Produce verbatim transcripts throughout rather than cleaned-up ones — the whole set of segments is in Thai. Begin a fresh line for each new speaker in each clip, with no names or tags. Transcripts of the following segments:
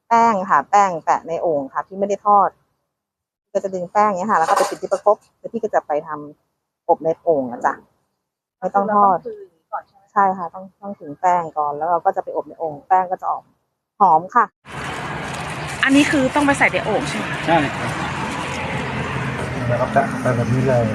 แป้งค่ะแป้งแปะในโอ่งค่ะที่ไม่ได้ทอดก็จะดึงแป้งเนี้ยค่ะแล้วก็ไปติดที่ประคบแล้วพี่ก็จะไปทำอบในโอ่งนะจ๊ะไม่ต้องทอดใช่ค่ะต้องต้องถึงแป้งก่อนแล้วเราก็จะไปอบในโอ่งแป้งก็จะออกหอมค่ะ
อันนี้คือต้องไปใส่ในโอ่งใช่ไหม
ใช่ครับแล้วก็แปะไปแบบนี้เลย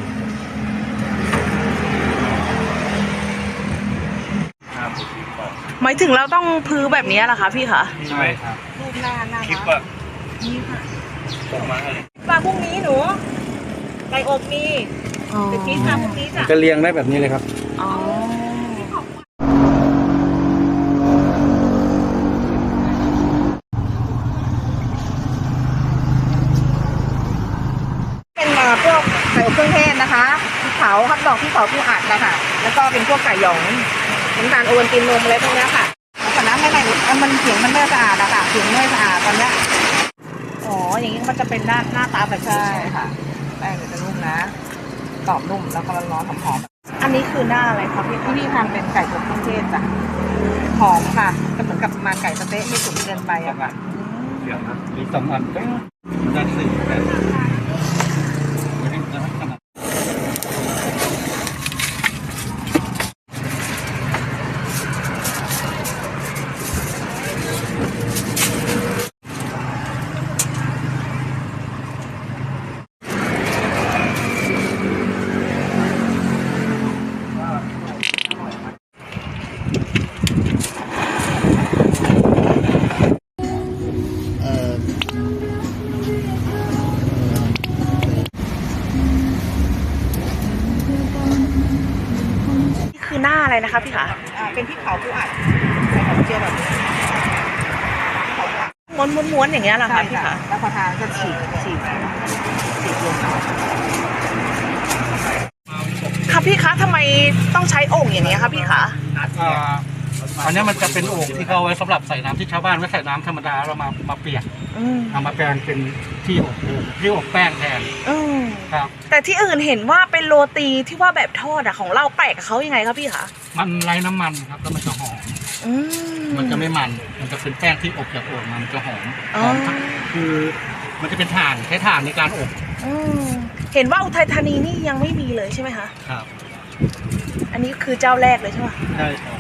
หมายถึงเราต้องพื้นแบบนี้เหรอคะพี่คะ
ใช่ครับ
รูปหน้าหน้า
คลิปอะ
นี่ค่ะ
ส่งมาให้
ปลาพรุ่งนี้หนูไก่อบมีเดี๋ยวพี่ทำพรุ่งนี้จ้ะ
จะเรียงได้แบบนี้เลยครับ
อ๋อ
เป็นมาพวกไก่อบเครื่องเทศนะคะพริกเผาฮอทดอกพริกเผาผู้อัดนะคะแล้วก็เป็นพวกไก่หยองน้ำตาลโอวัลตินนมอะไรพวกนี้ค่ะแต่น้ำไม่ไหลมันเสียงมันไม่สะอาดอะค่ะเสียงไม่สะอาดตอนเนี้ย
อ๋ออย่างนี้มันจะเป็นหน้าหน้าตาแบบนี้
ใช่ค่ะแป้งจะนุ่มนะกรอบนุ่มแล้วก็ร้อนๆหอม
ๆอันนี้คือหน้าอะไรคะพี่
ๆที่นี่ทำเป็นไก่อบเครื่องเทศจ้ะหอมค่ะก็เหมือนกับมาไก่สะเต๊ะไม่สุกเกินไปอะค่ะ
เดี๋ยวนะมีสองอันก็ได้สี่แต่ไม่ได้ขนาด
นี่คือหน้าอะไรนะคะพี่คะ
อ่าเป็นพริกเผาผู้อัดใส่หอมเจียวแบบนี้
ม้วนม้วนๆอย่างเงี้ยเหรอ
ใช่
คะพี่
ค่ะ
คะ
แล้วพอทานก็ฉีกฉีกฉีกลง
ค่ะพี่คะทำไมต้องใช้โอ่งอย่างนี้คะพี่คะ
อ่าอันนี้มันจะเป็นโอ่งที่เขาเอาไว้สำหรับใส่น้ำที่ชาวบ้านไม่ใส่น้ำธรรมดาเรามามาเปียก
อืม
เอามาแปลงเป็นที่อบโอ่งที่อบแป้งแทน
อืม
ครับ
แต่ที่อื่นเห็นว่าเป็นโรตีที่ว่าแบบทอดอะของเราแปลกกับเขายังไงคะพี่คะ
มันไร้น้ำมันครับแล้วมันจะหอม
อืม
มันจะไม่มัน มันจะเป็นแป้งที่อบจากโอ่งมามันจะหอม
อ๋
ห
อ
อมคือมันจะเป็นถ่านใช้ถ่านในการอบ
อืมเห็นว่าอุทัยธานีนี่ยังไม่มีเลยใช่ไหมคะ
ครับ
อันนี้คือเจ้าแรกเลยใช่ไหม
ใช่ครับ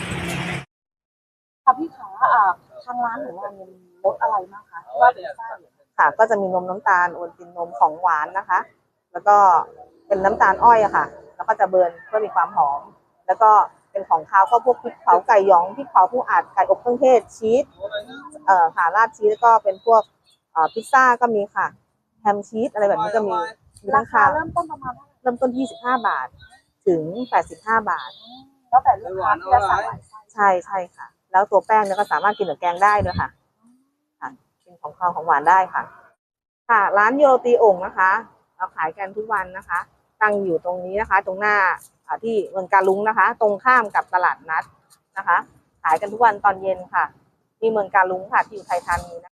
ค่ะพี่ขาอ่าทางร้านของเราเนี่ยมีรสอะไรบ้างคะที่ว่าเป็นไส้ค่ะก็จะมีนมน้ำตาลโอวัลตินนมของหวานนะคะ แล้วก็เป็นน้ำตาลอ้อยอะค่ะ แล้วก็จะเบิร์นเพื่อมีความหอม แล้วก็เป็นของคาวก็พวกพริกเผาไก่หยองพริกเผาผู้อัดไก่อบเครื่องเทศชีสเอ่อค่ะราดชีสแล้วก็เป็นพวกเอ่อพิซซ่าก็มีค่ะแฮมชีสอะไรแบบนี้ก็มีมีทั้งคาวเริ่มต้นประมาณเริ่มต้นยี่สิบห้าบาทถึงแปดสิบห้าบาทแล้วแต่ลูกค้าที่จะสั่งใช่ใช่ค่ะแล้วตัวแป้งเนี่ยก็สามารถกินกับแกงได้ด้วยค่ะค่ะกินของคาวของหวานได้ค่ะค่ะร้านโยโรตีโอ่งนะคะเราขายกันทุกวันนะคะตั้งอยู่ตรงนี้นะคะตรงหน้าที่เมืองกาลุงนะคะ ตรงข้ามกับตลาดนัดนะคะขายกันทุกวันตอนเย็นค่ะที่เมืองกาลุงค่ะที่อยู่ไทยธานีนะ